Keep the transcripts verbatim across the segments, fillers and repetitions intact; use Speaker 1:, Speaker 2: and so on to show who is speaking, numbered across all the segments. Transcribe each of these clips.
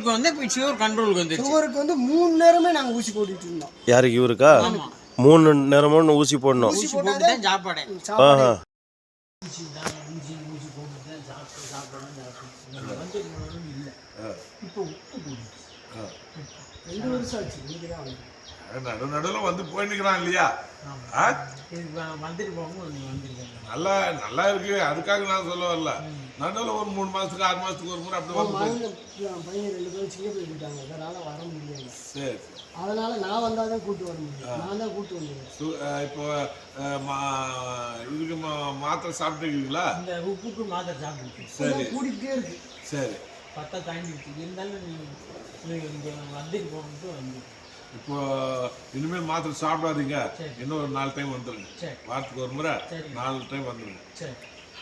Speaker 1: சுகருக்கு வந்து இப்போ சுகர் கண்ட்ரோலுக்கு வந்து
Speaker 2: சுகருக்கு வந்து மூணு நேரமே நாங்கள் ஊசி போட்டுட்டு இருந்தோம்.
Speaker 3: யாருக்கு இவருக்கா? மூணு நேரமும் ஊசி போடணும்.
Speaker 1: ஊசி போட்டு தான் சாப்பாடு.
Speaker 3: ஆஹா
Speaker 1: ஊசி தான் ஊசி ஊசி போட்டு தான் சாப்பிட்டு சாப்பிடணும். வந்து இல்லை இப்போ உப்பு போடுது.
Speaker 2: ரெண்டு வருஷம் ஆச்சு. இன்னைக்கு தான்
Speaker 4: நடு நடுவில் வந்து போயிட்டுக்கிறான் இல்லையா?
Speaker 1: வந்துட்டு போகும்போது வந்துருக்காங்க.
Speaker 4: நல்லா நல்லா இருக்கு. அதுக்காக நான் சொல்ல வரல. நடுவில் ஒரு மூணு மாசத்துக்கு ஆறு மாசத்துக்கு ஒரு முறை அப்படி வந்து
Speaker 2: பையன் ரெண்டு பேரும் சின்ன போயிட்டாங்க. அதனால வர முடியல.
Speaker 4: சரி
Speaker 2: அதனால நான் வந்தால் தான் கூட்டு வர முடியும். நான் தான் கூட்டு வந்தேன்.
Speaker 4: இப்போ இதுக்கு மாத்திரை சாப்பிட்டுருக்கீங்களா?
Speaker 1: இந்த உப்புக்கு மாத்திரை சாப்பிட்டு
Speaker 4: சரி
Speaker 2: கூட்டிகிட்டே இருக்கு.
Speaker 4: சரி
Speaker 1: பத்தா தாண்டிடுச்சு. இருந்தாலும் நீங்கள் இங்கே வந்துட்டு போகணுட்டு வந்து
Speaker 4: இப்போ இனிமேல் மாத்திரை சாப்பிடாதீங்க. இன்னும் ஒரு நாலு டைம் வந்துடுங்க. வாரத்துக்கு ஒரு முறை நாலு டைம் வந்துடுங்க.
Speaker 1: சரி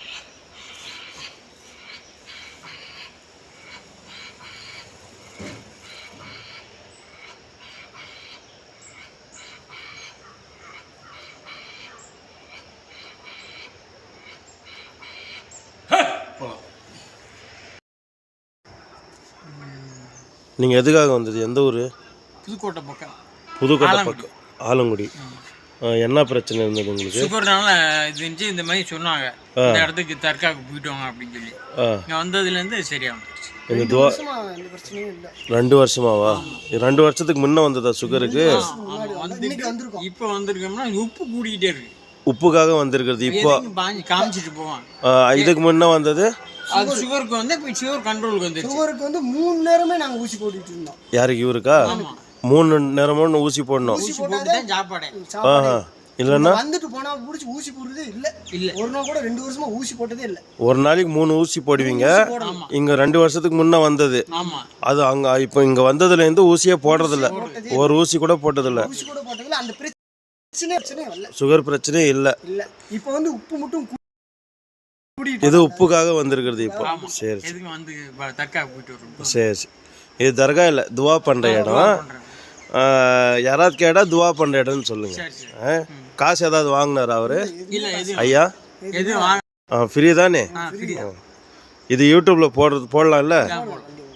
Speaker 3: நீங்கள் எதுக்காக வந்தது? எந்த ஊர்?
Speaker 1: புதுக்கோட்டை பக்கம்.
Speaker 3: புதுக்கோட்டை பக்கம் ஆலங்குடி. என்ன பிரச்சனை இருந்தது உங்களுக்கு?
Speaker 1: சுகர்னால இது இருந்துச்சு. இந்த மாதிரி சொன்னாங்க இந்த இடத்துக்கு தற்காக்கு போயிட்டோங்க அப்படின்னு சொல்லி இங்கே வந்ததுலேருந்து சரியாக வந்துருச்சு.
Speaker 3: இந்த துவா ரெண்டு வருஷமாவா? ரெண்டு வருஷத்துக்கு முன்ன வந்ததா சுகருக்கு?
Speaker 1: இப்போ வந்திருக்கோம்னா உப்பு கூடிக்கிட்டே இருக்கு.
Speaker 3: உப்புக்காக வந்திருக்கிறது. இப்போ
Speaker 1: காமிச்சிட்டு போவான்.
Speaker 3: இதுக்கு முன்ன வந்தது
Speaker 1: அது சுகருக்கு வந்து இப்போ சுகர் கண்ட்ரோலுக்கு வந்து
Speaker 2: சுகருக்கு வந்து மூணு நேரமே நாங்கள் ஊசி போட்டுட்டு இருந்தோம்.
Speaker 3: யாருக்கு இவருக்கா? மூணு நேரமும் ஊசி போடணும்.
Speaker 1: ஊசி போட்டு தான் சாப்பாடு.
Speaker 3: ஆஹா இல்லைன்னா
Speaker 2: வந்துட்டு போனா பிடிச்சி ஊசி போடுறதே இல்லை. இல்லை ஒரு நாள் கூட ரெண்டு வருஷமா ஊசி போட்டதே இல்லை.
Speaker 3: ஒரு நாளைக்கு மூணு ஊசி போடுவீங்க. இங்க ரெண்டு வருஷத்துக்கு முன்ன வந்தது. அது அங்க இப்போ இங்க வந்ததுல இருந்து ஊசியே போடுறதில்ல. ஒரு ஊசி கூட போட்டதில்ல.
Speaker 2: ஊசி கூட போட்டதில்ல. அந்த பிரச்சனை இல்லை.
Speaker 3: சுகர் பிரச்சனையே இல்லை.
Speaker 2: இல்லை இப்போ வந்து உப்பு மட்டும்
Speaker 3: இது உப்புக்காக வந்திருக்கிறது இப்போ. சரி சரி சரி இது தர்கா இல்லை, துவா பண்ணுற இடம். யாராவது கேட்டால் துவா பண்ணுற இடம்னு சொல்லுங்க. காசு ஏதாவது வாங்கினாரா அவரு? ஐயா ஃப்ரீ தானே? இது யூடியூப்ல போடுறது போடலாம்ல?